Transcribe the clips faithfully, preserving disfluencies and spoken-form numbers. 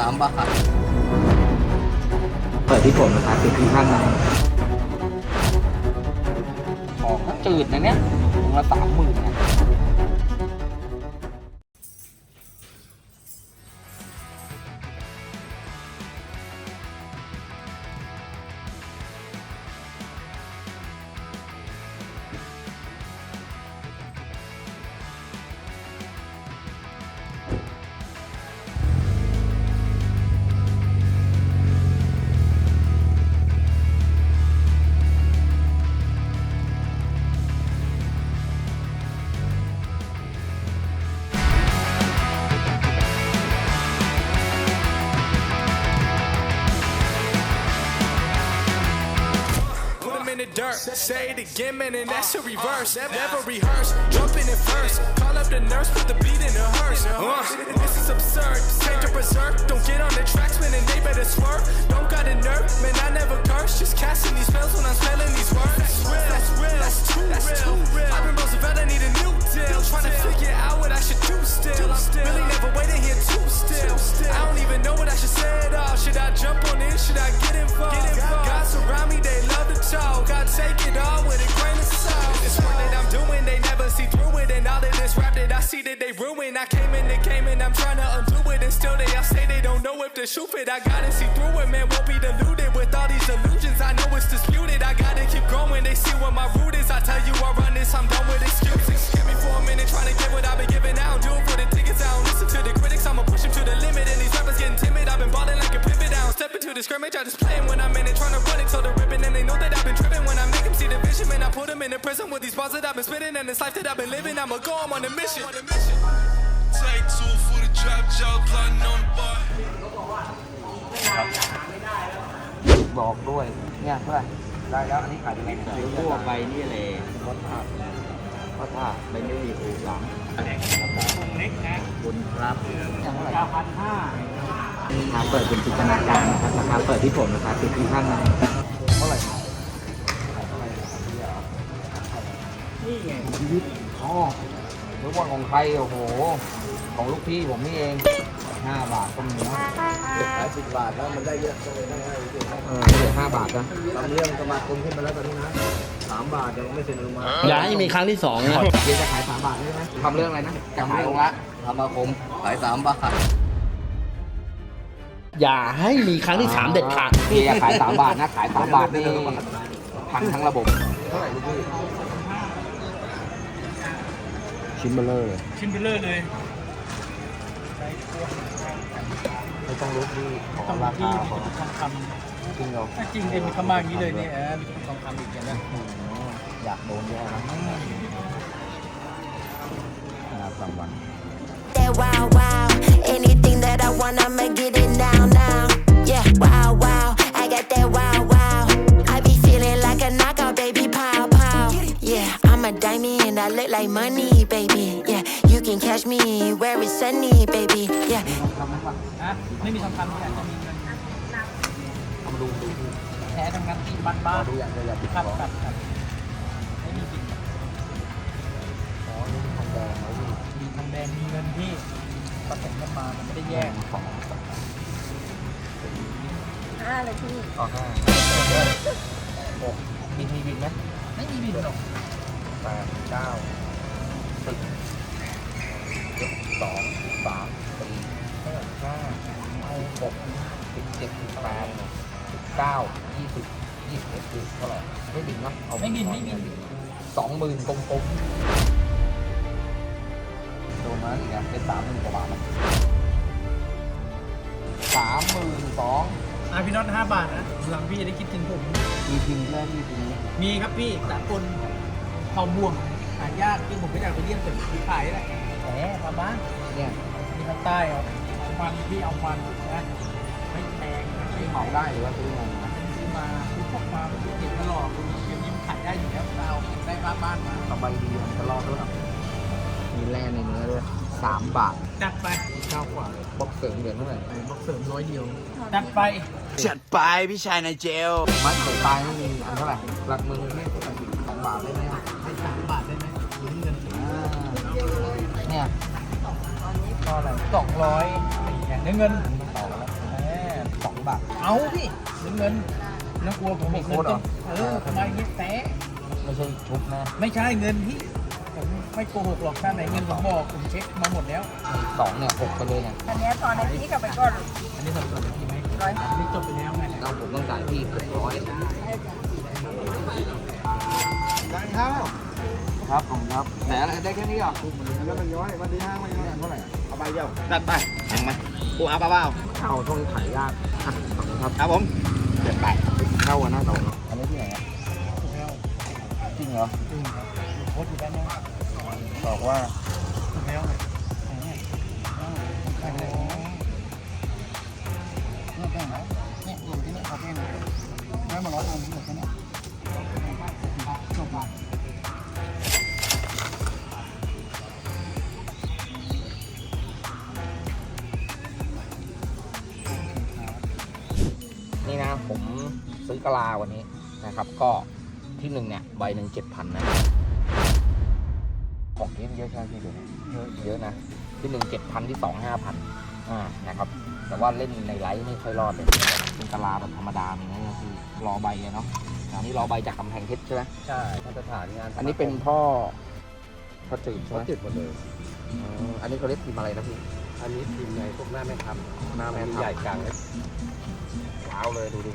ามบาทเปิดที่ผมนะครับติดที่ข้างในของก็จืดนะเนี่ยถุงละสามหมื่นนะ Dirt. Say it again, man, and that's a reverse. Never rehearse, jumping in first. Call up the nurse, put the beat in the hearse. Uh, this is absurd. Take the berserk. Don't get on the tracks, man, and they better swerve. Don't got a nerve, man, I never curse. Just casting these spells when I'm spelling these words. That's real, that's real, that's too that's real. Too real. I've been Roosevelt, I need a new deal. Trying to figure out what I should do still. I'm really never waiting here too still. I don't even know what I should say at all. Should I jump on in? Should I get involved? Get involved. Guys around me, they love to talk. I take it all with a grain of salt. This work that I'm doing, they never see through it. And all of this rap that I see that they ruin. I came in the game and I'm trying to undo it. And still they all say they don't know if to shoot it. I gotta see through it, man, won't be deluded. With all these illusions, I know it's disputed. I gotta keep going, they see what my root is. I tell you I run this, I'm done with excuses. Give me for a minute, trying to get what I've been giving out. Do it for the tickets, I don't listen to the critics. I'ma push them to the limit. And these rappers getting timid. I've been balling like a pivot. I don't step into the scrimmage, I just play them when I'm in it. Trying to run it till the ribbon. And they know that I've been tripping when I make them see the vision. Man, I put them in the prison with these bars that I've been spitting. And this life that I've been living, I'ma go, I'm on a mission. Take two for the drop, jaw plotting on the bar. บอกด้วยเนี่ยเท่าไหร่ได้แล้วอันนี้ขายยังไงเนี่ยเดี๋ยวทั่วไปนี่เลยก็ถ้าก็ถ้าไม่ได้มีอู่หลังคุณครับอย่างเท่าไหร่ราคาเปิดเป็นจินตนาการนะครับราคาเปิดที่ผมนะครับติดที่ข้างในเท่าไหร่นี่ไงชีวิตอ๋อรู้ว่าของใครโอ้โหของลูกพี่ผมนี่เองห้าบาทก็มีนะเด็กขายสิบบาทแล้วมันได้เยอะก็เลยได้ให้เด็กเออเหลือห้าบาทนะทำเรื่องสมาคมขึ้นมาแล้วตอนนี้นะสามบาทยังไม่เซ็นอนุมัติอย่าให้มีครั้งที่สองนะเดี๋ยวจะขายสามบาทใช่ไหมทำเรื่องอะไรนะจะทำขายเรื่องละสมาคมขายสามบาทอย่าให้มีครั้งที่สามเด็ดขาดพี่จะขายสามบาทนะขายสามบาทนี่พังทั้งระบบเท่าไหร่ลูกพี่ชิ้นเบลเลอร์เลยชิ้นเบลเลอร์เลยไม่ต้องรู้ที่ขอต้องราที่คามีของทองคจริงเหรอำถ้าจริงเองมีคำมาอย่างนี้เลยเนี่ยเออมีทองคำอีกอย่างนั้นอยากโดนแย่นะงานสามวัน That wow wow, anything that I want, I'ma get it now now. Yeah, wow wow, I got that wow wow. I be feeling like a knockout, baby, pow pow. Yeah, I'm a diamond, I look like money, baby. Yeah, you can catch me where it's sunny, baby. Yeah. ฮะไม่มีทองคำแต่จะมีเงินทำดูดูดูแท้ทั้งนั้นที่บ้านบ้านดูอย่างเดียวอย่าติดครับขอครับครับไม่มีจริงขอนี่ทองแดงไว้ดิมีทองแดงมีเงินที่ผสมกันมามันไม่ได้แยกของห้าเลยพี่อ๋อห้าหกมีมีบินไหมไม่มีบินหรอกแปดเก้าสิบเจ็ดสองสามสี่ห้าห้าหกสิบเจ็ดสิบแปดสิบเก้ายี่สิบยี่สิบเอ็ดคือเท่าไหร่ไม่บินเนาะเอาไม่บินไม่บินสองหมื่นกลมๆโดนมาอีกนะเป็นสามหมื่นกว่าบาทนะสามหมื่นสองอ่ะพี่น็อตห้าบาทนะหลังพี่จะได้คิดถึงผมมีพิมพ์ด้วยที่พิมพ์นี้มีครับพี่สากลทองม่วงหายากที่ผมไม่อยากไปเยี่ยมแต่พี่ขายแหละแหมทำบ้านเนี่ยมีทางใต้เอาเอามันพี่เอามันนะไม่แพงไม่ที่เหเหมามาได้หรือว่าซื้อมาซื้อมาซื้อพกมาเก็บตลอดเก็บยิ้มขายได้อยู่แล้วเราเอาได้รับบ้านมาสบายดีมันจะรอดด้วยหรอมีแร่ในเนื้อด้วยสามบาทจัดไปเก้ากว่าเลยบล็อกเสริมเหรียญเท่าไหร่บอกเสริมร้อยเดียวจัดไปจัดไปพี่ชายในเจลมัดเสือตายไม่มีอันเท่าไหร่หลักมือไม่เท่าไหร่สองบาทได้ไหมอ่ะให้สามบาทได้ไหมยืมเงินอ่าเนี่ยก็อะไรสองร้อยอย่างเนื้อเงินต่อแล้วรือเปล่าเอาพี่เงินน้องกลัวผมบอกเงินต้นเออทำไมเงี้ยแตะไม่ใช่ชุบนะไม่ใช่เงินพี่ผมไม่โกหกหรอกถ้าไหนเงินผมบอกผมเช็คมาหมดแล้วสองเนี่ยหกไปเลยไงอันเนี้ยตอนในที่กลับไปก่อนอันนี้สับสนพี่ไหมร้อยอันนี้จบไปแล้วไงเราผมต้องจ่ายพี่เกือบร้อยครับผมครับแต่อะไรได้แค่นี้เหรอแล้วมันย้อยวันที่ห้างมันย้อยเท่าไหร่เอาใบเดียวจัดไปแข่งไหมกูเอาเปล่าเอาช่วงนี้ขายยากอ่ะขอบคุณครับครับผมเจ็ดแปดเข้ากันหน้าต่ออันนี้ที่ไหนอ่ะจริงเหรอจริงครับโพสต์อยู่ด้านนอกบอกว่าแล้วเนี่ยใครเลยเนี่ยแป้งไหนเนี่ยอยู่ที่นี่เขาแป้งได้มาร้อยองค์ที่หมดแค่นี้จบละนี่นะผมซื้อกะลาวันนี้นะครับ ก็ที่หนึ่งเนี่ยใบหนึ่งเจ็ดพันนะของเยอะเยอะใช่ไหมพี่เดี๋ยวนี้เยอะเยอะนะที่หนึ่งเจ็ดพันที่สองห้าพันอ่านะครับ แต่ว่าเล่นในไลฟ์ไม่ค่อยรอดเลยเป็นกะลาแบบธรรมดามีนะก็คือรอใบอะเนาะอันนี้รอใบจากกำแพงเพชรใช่ไหมใช่มาตรฐานงานอันนี้เป็นพ่อพ่อจืดใช่ไหเขามติดหมดเลยอืมอันนี้เขาเรียกพิมพ์อะไรนะพี่อันนี้ทีมในพวกหน้าแม่ทำหน้าแม่ทัพใหญ่กลางเล็กว้าวเลยดูดิ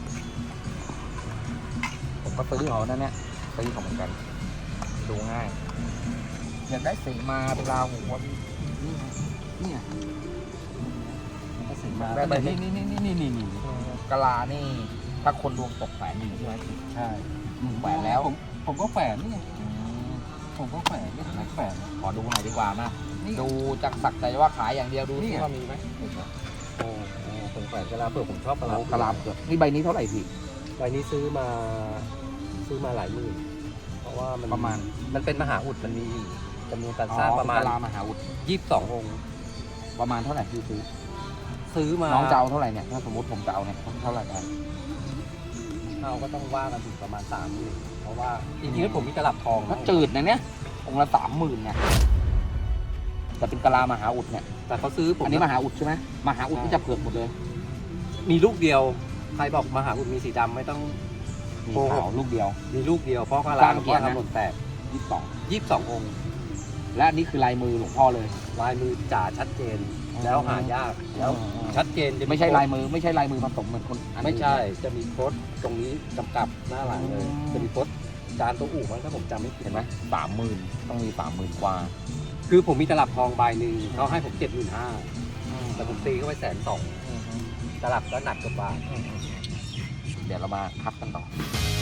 ผมก็ซื้อเขานั่นเนี่ยซื้อเขาเหมือนกันดูง่ายอยากได้สีมาเป็นลาหูวะพี่นี่ไงนี่ไงก็สิมาได้ใบนี้นี่นี่นี่นี่นี่นี่กะลานี่ถ้าคนดวงตกแฝนอยู่ใช่ไหมใช่แฝนแล้วผมผมก็แฝนนี่ไงผมก็แฝนนี่ไหนแฝนขอดูหน่อยดีกว่ามาดูจากสักแต่ว่าขายอย่างเดียวดูที่ว่ามีไหมโอ้โหผมแฝนกะลาเปลือกผมชอบกะลาโอ้กะลาเผือกนี่ใบนี้เท่าไหร่พี่ใบนี้ซื้อมาซื้อมาหลายหมื่นเพราะว่ามันประมาณมันเป็นมหาอุดมันมีจำนวนการสร้างประมาณกะลามหาอุดยี่สิบสององค์ประมาณเท่าไหร่พี่ซื้อซื้อมาน้องจะเอาเท่าไหร่เนี่ยถ้าสมมติผมจะเอาเนี่ยเท่าไหร่ได้เอาก็ต้องว่ากันถึงประมาณสามหมื่นเพราะว่าจริงๆแล้วผมมีตลับทองถ้าจืดนะเนี่ยองค์ละสามหมื่นเนี่ยแต่เป็นกะลามหาอุดเนี่ยแต่เขาซื้อผมอันนี้มหาอุดใช่ไหมมหาอุดที่จะเผือกหมดเลยมีลูกเดียวใครบอกมหาอุดมีสีดำไม่ต้องมีโกหกขาวลูกเดียวมีลูกเดียวเพราะกะสลาร้างหลวงเกีพ่ยอรตินะทำหล่นแตกยี่สิบสองยี่สิบสององค์และอันนี้คือลายมือหลวงพ่อเลยลายมือจ่าชัดเจนอ๋อแล้วหายากแล้วชัดเจนจะไม่ใช่ลายมือไม่ใช่ลายมือผสมเหมือนคนอันอื่นไม่ใช่จะมีโค้ดตรงนี้กำกับหน้าหลังเลยอืมจะมีโค้ดจานตัวอู่มั้งถ้าผมจำไม่ผิดเห็นไหมสามหมื่นต้องมีสามหมื่นกว่าคือผมมีตลับทองใบหนึ่งเขาให้ผมเจ็ดหมื่นห้าแต่ผมตีเข้าไปแสนสองตลับก็หนักกว่าบาทเดี๋ยวเรามาคัดกันต่อ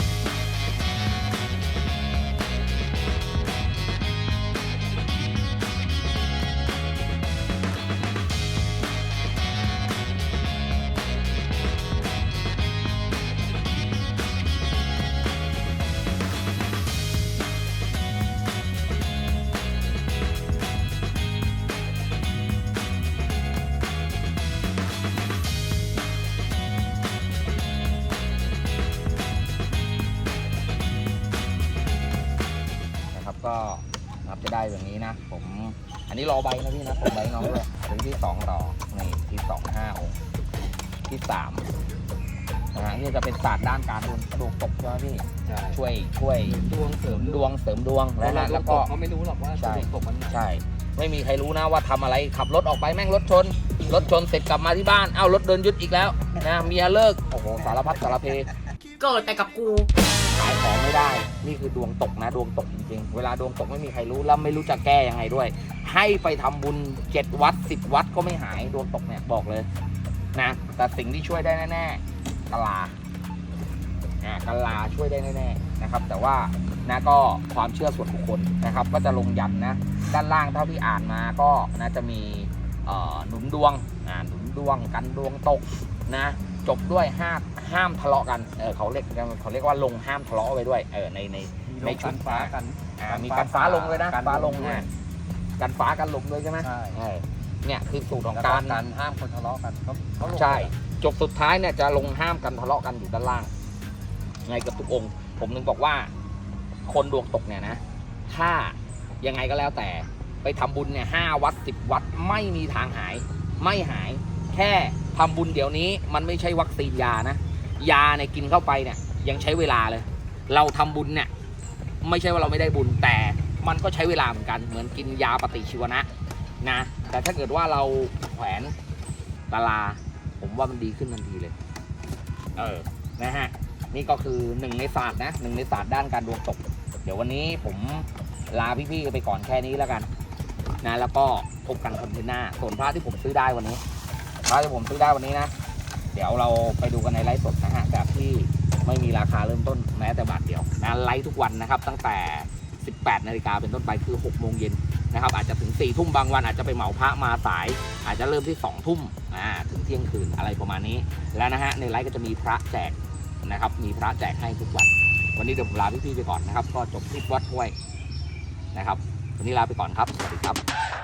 นะครับก็นับจะได้แบบนี้นะ ผมอันนี้รอใบนะพี่นะผมใบน้องด้วยถึงที่สองรอนี่ที่สองห้าองค์ที่สามนะฮะนี่จะเป็นศาสตร์ด้านการดวงกระดูกตกใช่ไหมพี่ใช่ช่วยช่วยดวงเสริมดวงเสริมดวงแล้แล้ว วนะนะแล้แล้ว วก็ก็เขาไม่รู้หรอกว่าใช่ดวงตกมันไหนใช่ ไม่มีใครรู้นะว่าทำอะไรขับรถออกไปแม่งรถชน รถชนเสร็จกลับมาที่บ้านเอ้ารถโดนยึดอีกแล้วนะเมียเลิกโอ้โหสารพัดสารเพเกิดแต่กับกูขายของไม่ได้ นี่คือดวงตกนะ ดวงตกจริงๆ เวลาดวงตกไม่มีใครรู้แล้วไม่รู้จะแก้ยังไงด้วย ให้ไปทำบุญเจ็ดวัดสิบวัดก็ไม่หายดวงตกเนี่ยบอกเลยนะแต่สิ่งที่ช่วยได้แน่ๆกะลาอ่ากะลาช่วยได้แน่ๆนะครับ แต่ว่านะก็ความเชื่อส่วนบุคคลนะครับ ก็จะลงยันนะด้านล่างเท่าที่อ่านมาก็นะจะมีเอ่อหนุนดวงอ่าหนุนดวงกันดวงตกนะ จบด้วยห้ามห้ามทะเลาะกันเออเขาเรียกเขาเรียกว่าลงห้ามทะเลาะไว้ด้วยเออในในในชุดฟ้ากันอ่ามีการฟ้าลงเลยนะการฟ้าลงด้วยอ่ะการฟ้ากันลงด้วยใช่ไหมใช่เออเนี่ยคือสูตรของแล้วการการห้ามคนทะเลาะกันเขาเขาลงใช่จบสุดท้ายเนี่ยจะลงห้ามกันทะเลาะกันอยู่ด้านล่างไงกับทุกองค์ ผมนึงบอกว่า คนดวงตกเนี่ยนะ ถ้ายังไงก็แล้วแต่ไปทำบุญเนี่ยห้าวัดสิบวัดไม่มีทางหาย ไม่หาย แค่ทำบุญเดี๋ยวนี้มันไม่ใช่วัคซีนยานะยาเนี่ยกินเข้าไปเนี่ยยังใช้เวลาเลยเราทำบุญเนี่ยไม่ใช่ว่าเราไม่ได้บุญแต่มันก็ใช้เวลาเหมือนกันเหมือนกินยาปฏิชีวนะนะแต่ถ้าเกิดว่าเราแขวนตาราผมว่ามันดีขึ้นทันทีเลยเออนะฮะนี่ก็คือหนึ่งในศาสตร์นะหนึ่งในศาสตร์ด้านการดวงตกเดี๋ยววันนี้ผมลาพี่ๆไปก่อนแค่นี้แล้วกันนะแล้วก็พบกันคอนเทนต์หน้าส่วนพระที่ผมซื้อได้วันนี้พระที่ผมซื้อได้วันนี้นะเดี๋ยวเราไปดูกันในไลฟ์สดนะฮะแบบที่ไม่มีราคาเริ่มต้นแม้แต่บาทเดียวนะไลฟ์ทุกวันนะครับตั้งแต่สิบแปดนาฬิกาเป็นต้นไปคือหกโมงเย็นนะครับอาจจะถึงสี่ทุ่มบางวันอาจจะไปเหมาพระมาสายอาจจะเริ่มที่สองทุ่มอ่าถึงเที่ยงคืนอะไรประมาณนี้แล้วนะฮะในไลฟ์ก็จะมีพระแจกนะครับมีพระแจกให้ทุกวันวันนี้เดี๋ยวผมลาพี่ๆไปก่อนนะครับก็จบคลิปวัดห้วยนะครับวันนี้ลาไปก่อนครับสวัสดีครับ